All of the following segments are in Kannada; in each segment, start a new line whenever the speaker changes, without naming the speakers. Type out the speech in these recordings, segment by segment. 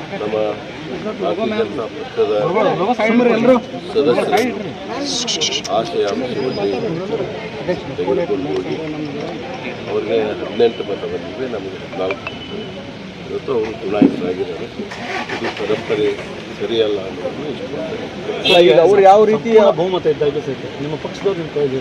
ನಮ್ಮ ಭಾರತೀಯ ಜನತಾ ಪಕ್ಷದ ಸದಸ್ಯರು ಆಶಯ ಅಂಶವನ್ನು ತೆಗೆದುಕೊಂಡು ಹೋಗಿ ಅವ್ರಿಗೆ 18 ಮತ ಬಂದಿದೆ, ನಮಗೆ 14. ಇವತ್ತು ಅವರು ಚುನಾಯಿತರಾಗಿದ್ದಾರೆ. ಇದು ಪರಂಪರೆ ಸರಿಯಲ್ಲ ಅನ್ನೋದನ್ನು ಇಷ್ಟಪಡ್ತಾರೆ.
ಅವರು ಯಾವ ರೀತಿಯ ಬಹುಮತ ಇದ್ದಾಗ ಸಹಿತ ನಿಮ್ಮ ಪಕ್ಷದವ್ರು ನಿಮ್ಮ ಕೈಯಲ್ಲಿ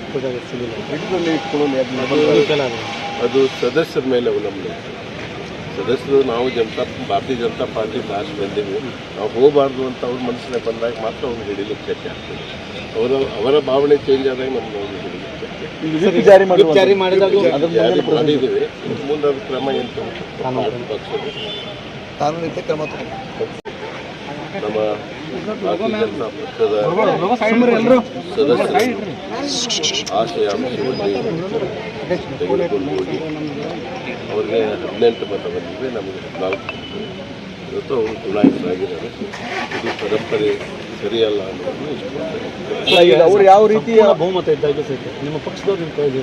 ಅದು ಸದಸ್ಯರ ಮೇಲೆ ಅವಲಂಬನೆ. ಸದಸ್ಯರು ನಾವು ಭಾರತೀಯ ಜನತಾ ಪಾರ್ಟಿ ಲಾಸ್ಟ್ ಬಂದಿವಿ, ನಾವು ಹೋಗಬಾರ್ದು ಅಂತ ಅವ್ರ ಮನಸ್ಸಿನ ಬಂದಾಗ ಮಾತ್ರ ಅವ್ರು ಹಿಡಿಲಿಕ್ಕೆ ಶಕ್ಯ ಆಗ್ತದೆ. ಅವರ ಭಾವನೆ ಚೇಂಜ್ ಆದಾಗ ನಮ್ಗೆ ಅವ್ರು ಹಿಡಿಲಿಕ್ಕೆ
ಜಾರಿ ಮಾಡಿದಾಗ
ಮಾಡಿದ್ದೀವಿ. ಮುಂದೆ ಅದು ಕ್ರಮ ಏನು ಪಕ್ಷದ
ಕಾನೂನಿತ ಕ್ರಮ
ನಮ್ಮ ಭಾರತೀಯ ಜನತಾ ಪಕ್ಷದ ಸದಸ್ಯರು ಆಶಯ ಅಂಶವನ್ನು ತೆಗೆದುಕೊಂಡು ಹೋಗಿ ಅವ್ರಿಗೆ 18 ಮತ ಬಂದಿದೆ, ನಮಗೆ 14. ಇವತ್ತು ಅವರು ಚುನಾಯಿತರಾಗಿದ್ದಾರೆ. ಇದು ಪರಂಪರೆ ಸರಿಯಲ್ಲ ಅನ್ನೋದನ್ನು ಇಷ್ಟಪಡ್ತಾರೆ.
ಅವರು ಯಾವ ರೀತಿಯ ಬಹುಮತ ಇದ್ದಾಗ ಸಹಿತ ನಿಮ್ಮ ಪಕ್ಷದವ್ರು ನಿಮ್ಮ ಕೈಯಲ್ಲಿ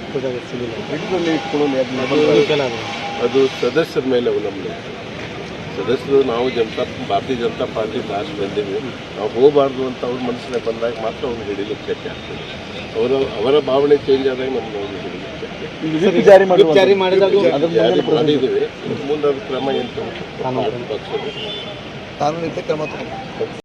ಅದು ಸದಸ್ಯರ ಮೇಲೆ ಅವಲಂಬನೆ. ಸದಸ್ಯರು ನಾವು ಭಾರತೀಯ ಜನತಾ ಪಾರ್ಟಿ ಲಾಸ್ಟ್ ಬಂದಿವಿ, ನಾವು ಹೋಗಬಾರ್ದು ಅಂತ ಅವ್ರ ಮನಸ್ಸಿನ ಬಂದಾಗ ಮಾತ್ರ ಅವ್ರು ಹಿಡಿಲಿಕ್ಕೆ ಶಕ್ಯ ಆಗ್ತದೆ. ಅವರ ಭಾವನೆ ಚೇಂಜ್ ಆದಾಗ ನಮ್ಗೆ ಅವ್ರು ಹಿಡಿಲಿಕ್ಕೆ
ಜಾರಿ ಮಾಡಿದಾಗ
ಮಾಡಿದ್ದೀವಿ. ಮುಂದೆ ಅದು ಕ್ರಮ ಏನು ಪಕ್ಷದ
ಕಾನೂನಿತ ಕ್ರಮ